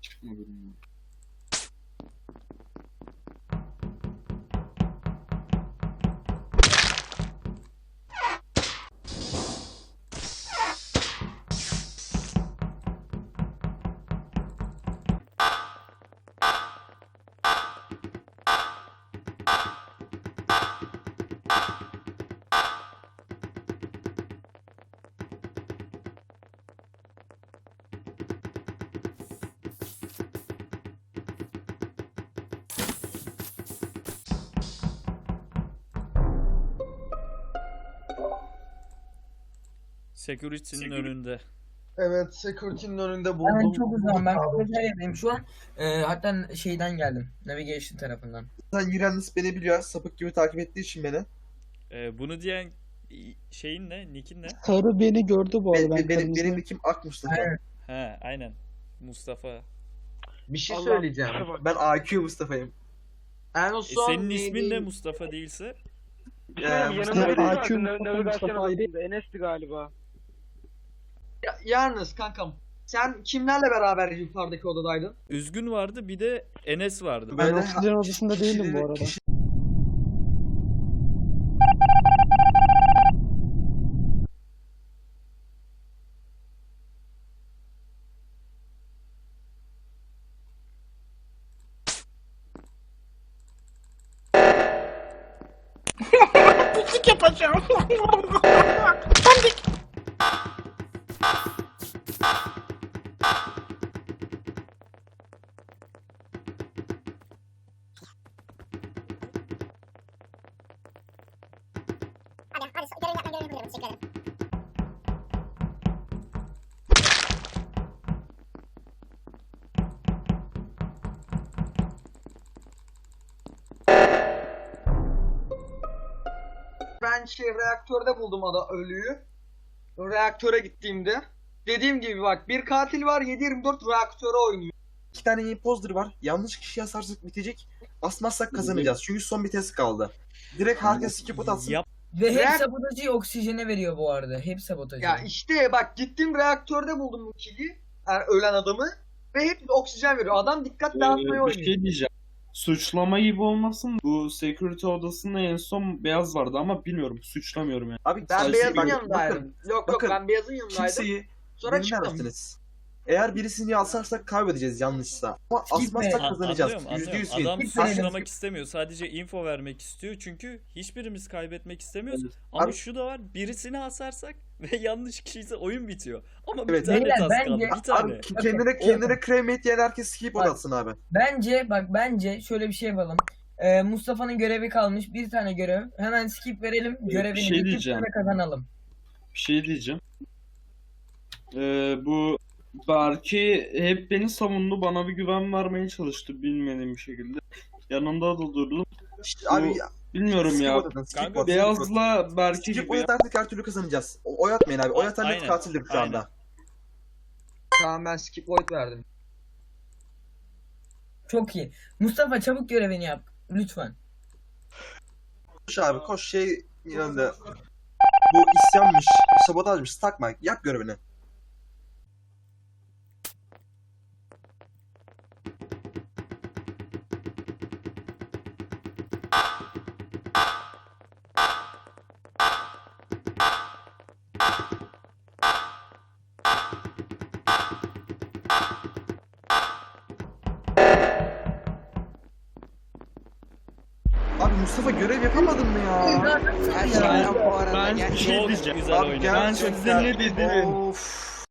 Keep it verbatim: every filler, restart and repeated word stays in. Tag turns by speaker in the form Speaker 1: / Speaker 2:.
Speaker 1: Çıkmadım.
Speaker 2: Security'nin
Speaker 3: Security.
Speaker 2: önünde.
Speaker 4: Evet, security'nin önünde
Speaker 5: Ben
Speaker 4: buldum.
Speaker 5: çok uzağım. Ben
Speaker 4: Buldum.
Speaker 5: kafeteryadayım şu an. Ee, hatta şeyden geldim. Navigation tarafından.
Speaker 4: Zaten Yunus beni biliyor. Sapık gibi takip ettiği için beni.
Speaker 2: Ee, bunu diyen şeyin ne? Nick'in ne?
Speaker 6: Sarı beni gördü bu arada.
Speaker 4: Be-
Speaker 6: Ben
Speaker 4: benim
Speaker 6: kırmızı-
Speaker 4: benim kim Akmış'tı.
Speaker 5: Aynen.
Speaker 2: He, aynen. Mustafa.
Speaker 4: Bir şey
Speaker 3: Allah'ım,
Speaker 4: söyleyeceğim.
Speaker 3: şuna bak.
Speaker 4: Ben A Q Mustafa'yım. En
Speaker 2: E,
Speaker 4: son
Speaker 2: senin ismin
Speaker 4: neydi?
Speaker 2: ne Mustafa değilse?
Speaker 3: Bir şey
Speaker 4: Ee,
Speaker 3: diyeyim,
Speaker 4: Mustafa
Speaker 3: yanımda biri
Speaker 6: A
Speaker 3: vardı
Speaker 6: Q
Speaker 3: nav-
Speaker 6: Mustafa,
Speaker 3: navigasyon
Speaker 6: Mustafa ayrı.
Speaker 3: odasında. Enes'ti galiba.
Speaker 4: Ya, yalnız kankam. Sen kimlerle beraber yukarıdaki odadaydın?
Speaker 2: Üzgün vardı, bir de Enes vardı.
Speaker 6: Ben
Speaker 4: Böyle
Speaker 6: oksijen odasında değilim bu
Speaker 4: kişileri-
Speaker 6: arada.
Speaker 4: kişi-
Speaker 7: Hadi hadi görev yapma görev yapıyorum. Teşekkür ederim.
Speaker 4: Ben şey reaktörde buldum ada ölüyü. Reaktöre gittiğimde. Dediğim gibi bak bir katil var yedi yirmi dört reaktöre oynuyor. İki tane imposter var. Yanlış kişi asarsak bitecek. Asmazsak kazanacağız. Çünkü son bir test kaldı. Direkt herkes skip out atsın.
Speaker 2: Yap.
Speaker 5: Ve hep
Speaker 4: Reak-
Speaker 5: sabotajı oksijene veriyor bu arada. Hep sabotajı.
Speaker 4: Ya işte bak gittim reaktörde buldum bu kili. Yani ölen adamı. Ve hep oksijen veriyor. Adam dikkat dağıtmaya
Speaker 1: Ee, bir
Speaker 4: oynuyor.
Speaker 1: şey diyeceğim. Suçlama gibi olmasın. Bu security odasında en son beyaz vardı ama bilmiyorum. Suçlamıyorum yani.
Speaker 4: Abi ben
Speaker 1: Sadece
Speaker 4: beyazın
Speaker 1: bak-
Speaker 4: yanındaydım.
Speaker 1: bakın,
Speaker 4: yok yok
Speaker 1: bakın.
Speaker 4: ben beyazın yanındaydım. Kimseyi Sonra beni çıktım. dersiniz. Eğer birisini asarsak kaybedeceğiz yanlışsa. Ama asmazsak
Speaker 2: A-
Speaker 4: kazanacağız.
Speaker 2: Anlıyorum,
Speaker 4: Yüzde
Speaker 2: anlıyorum.
Speaker 4: yüz
Speaker 2: Adam
Speaker 4: win.
Speaker 5: Skip verelim.
Speaker 2: suçlamak istemiyor. Sadece info vermek istiyor. Çünkü hiçbirimiz kaybetmek istemiyoruz.
Speaker 1: Evet.
Speaker 2: Ama
Speaker 4: Abi-
Speaker 2: şu da var. Birisini asarsak ve yanlış kişiyse oyun bitiyor. Ama
Speaker 4: Evet.
Speaker 2: bir tane
Speaker 5: Beyler,
Speaker 2: tas kaldı.
Speaker 5: bence-
Speaker 2: Bir tane.
Speaker 4: Abi kendine kendine cremate diyen herkes skip
Speaker 5: Bak.
Speaker 4: atsın abi.
Speaker 5: Bence bak bence şöyle bir şey yapalım. Ee, Mustafa'nın görevi kalmış. Bir tane görev. Hemen skip verelim. Görevini
Speaker 1: şey
Speaker 5: bitip
Speaker 1: diyeceğim.
Speaker 5: sonra kazanalım.
Speaker 1: Bir şey diyeceğim. Ee, bu Berke hep beni savundu. Bana bir güven vermeye çalıştı bilmediğim bir şekilde. Yanında da durdum.
Speaker 4: İşte abi
Speaker 1: Bu- Bilmiyorum
Speaker 4: skip
Speaker 1: ya.
Speaker 4: atın, skip
Speaker 2: Kanka,
Speaker 4: atın.
Speaker 1: Beyazla Berke
Speaker 4: Skip
Speaker 1: gibi.
Speaker 4: oy atarsak her türlü kazanacağız. O- Oy atmayın abi. Oy atan net
Speaker 2: Aynen,
Speaker 4: katildir şu anda.
Speaker 2: aynen.
Speaker 4: Tamam ben skip oy verdim.
Speaker 5: Çok iyi. Mustafa çabuk görevini yap. Lütfen.
Speaker 4: Koş abi koş şey yanında. Bu isyanmış, sabotajmış, takma. Yap görevini. Abi Mustafa görev yapamadın mı ya?
Speaker 1: Ben, ben bir şey
Speaker 2: Çok
Speaker 1: diyeceğim.
Speaker 2: güzel
Speaker 4: Abi
Speaker 2: oynadı.
Speaker 1: Ben size ne dedim?
Speaker 4: Of.